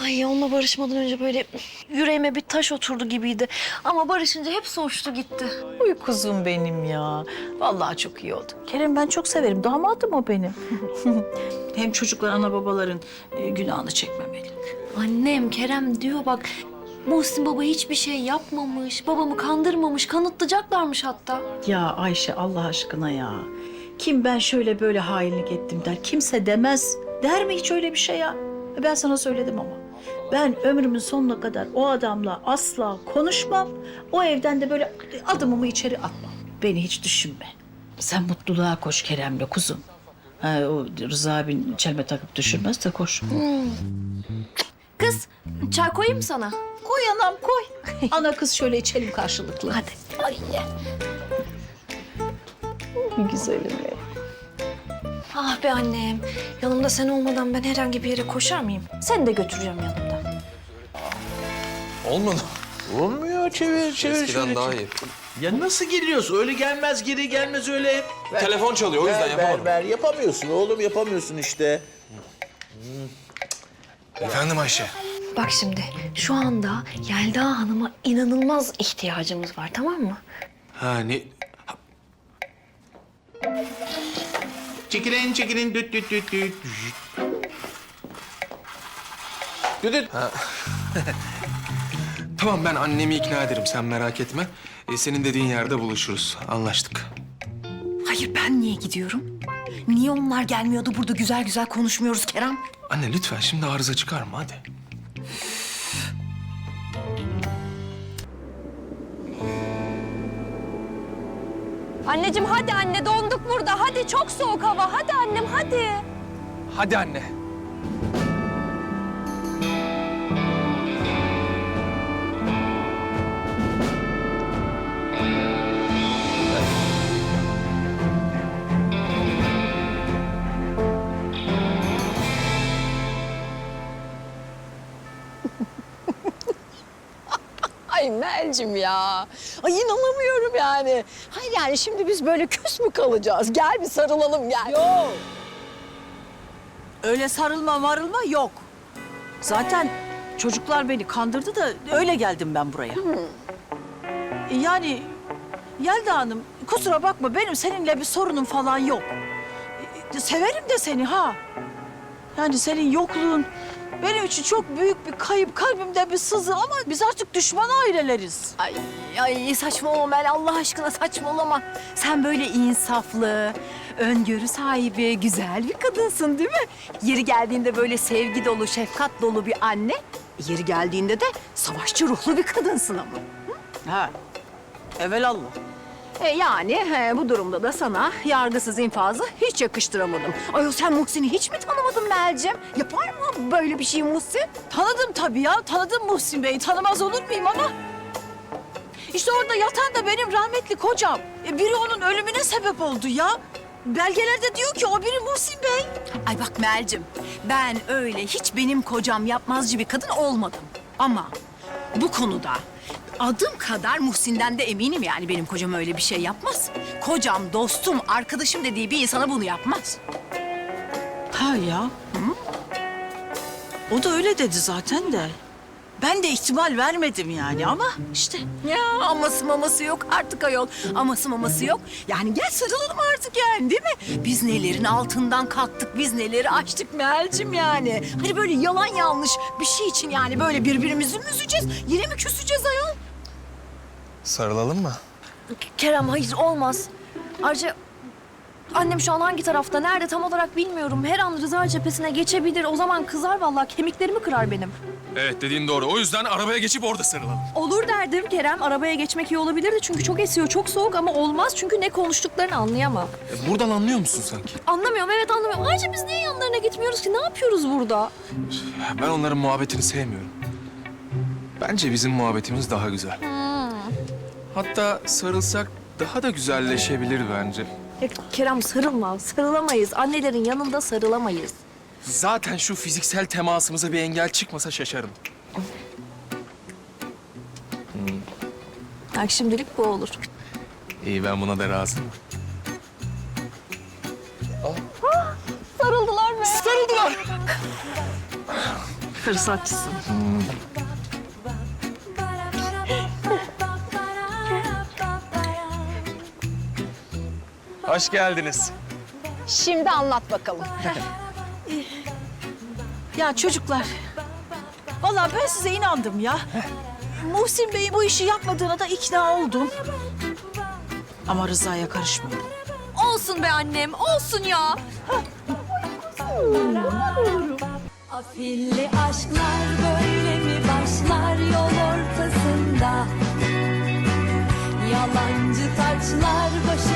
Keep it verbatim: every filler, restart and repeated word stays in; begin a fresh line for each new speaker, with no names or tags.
Ay onunla barışmadan önce böyle yüreğime bir taş oturdu gibiydi. Ama barışınca hepsi uçtu gitti.
Uy kuzum benim ya. Vallahi çok iyi oldu. Kerem ben çok severim. Damadım o benim. Hem çocuklar ana babaların e, günahını çekmemeli.
Annem Kerem diyor bak Muhsin baba hiçbir şey yapmamış. Babamı kandırmamış, kanıtlayacaklarmış hatta.
Ya Ayşe Allah aşkına ya. Kim ben şöyle böyle hainlik ettim der. Kimse demez. Der mi hiç öyle bir şey ya? Ben sana söyledim ama. Ben ömrümün sonuna kadar o adamla asla konuşmam. O evden de böyle adımımı içeri atmam. Beni hiç düşünme. Sen mutluluğa koş Kerem'le kuzum. Ha, o Rıza abin çelme takıp düşürmez de koş.
Kız çay koyayım mı sana?
Koy anam koy. Ana kız şöyle içelim karşılıklı.
Hadi. Ay ye.
Güzelim benim.
Ah be annem. Yanımda sen olmadan ben herhangi bir yere koşar mıyım? Seni de götüreceğim yanımda.
Olmadı.
Olmuyor, çevir çevir.
Eskiden
şöyle
daha
çevir.
iyi.
Ya nasıl geliyorsun? Öyle gelmez, geri gelmez öyle. Ver,
Telefon çalıyor, o yüzden
ver,
yapamadım.
Ver, ver, yapamıyorsun oğlum, yapamıyorsun işte.
Efendim Ayşe.
Bak şimdi şu anda Yelda Hanım'a inanılmaz ihtiyacımız var tamam mı?
Ha ne?
Çekilin, çekilin, düt düt düt düt. Düt düt.
Tamam ben annemi ikna ederim, sen merak etme. Ee, senin dediğin yerde buluşuruz. Anlaştık.
Hayır ben niye gidiyorum? Niye onlar gelmiyordu burada güzel güzel konuşmuyoruz Kerem?
Anne lütfen şimdi arıza çıkarma hadi.
Anneciğim hadi anne donduk burada. Hadi çok soğuk hava. Hadi annem hadi.
Hadi anne.
Ay Melcim ya. Ay inanamıyorum yani. Hayır yani şimdi biz böyle küs mü kalacağız? Gel bir sarılalım gel.
Yok. Öyle sarılma marılma yok. Zaten çocuklar beni kandırdı da öyle geldim ben buraya. Yani Yelda Hanım kusura bakma benim seninle bir sorunum falan yok. Severim de seni ha. Yani senin yokluğun benim için çok büyük bir kayıp, kalbimde bir sızı ama biz artık düşman aileleriz.
Ay, ay saçmalama Mel Allah aşkına saçmalama. Sen böyle insaflı, öngörü sahibi, güzel bir kadınsın değil mi? Yeri geldiğinde böyle sevgi dolu, şefkat dolu bir anne. Yeri geldiğinde de savaşçı ruhlu bir kadınsın ama.
Ha. Evelallah.
E yani he, bu durumda da sana yargısız infazı hiç yakıştıramadım. Ayol sen Muhsin'i hiç mi tanımadın Melcim? Yapar mı böyle bir şey Muhsin?
Tanıdım tabii ya. Tanıdım Muhsin Bey'i. Tanımaz olur muyum ama... İşte orada yatan da benim rahmetli kocam. E, biri onun ölümüne sebep oldu ya. Belgelerde diyor ki o biri Muhsin Bey.
Ay bak Melcim, ben öyle hiç benim kocam yapmazcı bir kadın olmadım. Ama bu konuda adım kadar Muhsin'den de eminim yani benim kocam öyle bir şey yapmaz. Kocam, dostum, arkadaşım dediği bir insana bunu yapmaz.
Ha ya. Hı? O da öyle dedi zaten de. Ben de ihtimal vermedim yani ama işte.
Ya aması maması yok artık ayol. Aması maması yok. Yani gel sarılalım artık yani değil mi? Biz nelerin altından kalktık, biz neleri açtık Melcim yani. Hani böyle yalan yanlış bir şey için yani böyle birbirimizi mi üzeceğiz? Yine mi küseceğiz ayol?
Sarılalım mı?
Kerem hayır olmaz. Ayrıca annem şu an hangi tarafta, nerede tam olarak bilmiyorum. Her an Rıza cephesine geçebilir. O zaman kızar vallahi, kemiklerimi kırar benim.
Evet dediğin doğru. O yüzden arabaya geçip orada sarılalım.
Olur derdim Kerem. Arabaya geçmek iyi olabilirdi çünkü çok esiyor, çok soğuk ama olmaz çünkü ne konuştuklarını anlayamam.
E, buradan anlıyor musun sanki?
Anlamıyorum, evet anlamıyorum. Ayrıca biz niye yanlarına gitmiyoruz ki? Ne yapıyoruz burada?
Ben onların muhabbetini sevmiyorum. Bence bizim muhabbetimiz daha güzel. Hatta sarılsak daha da güzelleşebilir bence.
Ya Kerem sarılma, sarılamayız. Annelerin yanında sarılamayız.
Zaten şu fiziksel temasımıza bir engel çıkmasa şaşarım.
Bak şimdilik bu olur.
İyi ben buna da razıyım.
Sarıldılar mı?
Sarıldılar.
Fırsatçısın.
Hoş geldiniz.
Şimdi anlat bakalım.
Ya çocuklar, vallahi ben size inandım ya. Muhsin Bey'in bu işi yapmadığına da ikna oldum. Ama Rıza'ya karışmıyorum.
Olsun be annem, olsun ya.
Afilli aşklar böyle mi başlar yol ortasında? Yalancı taçlar başı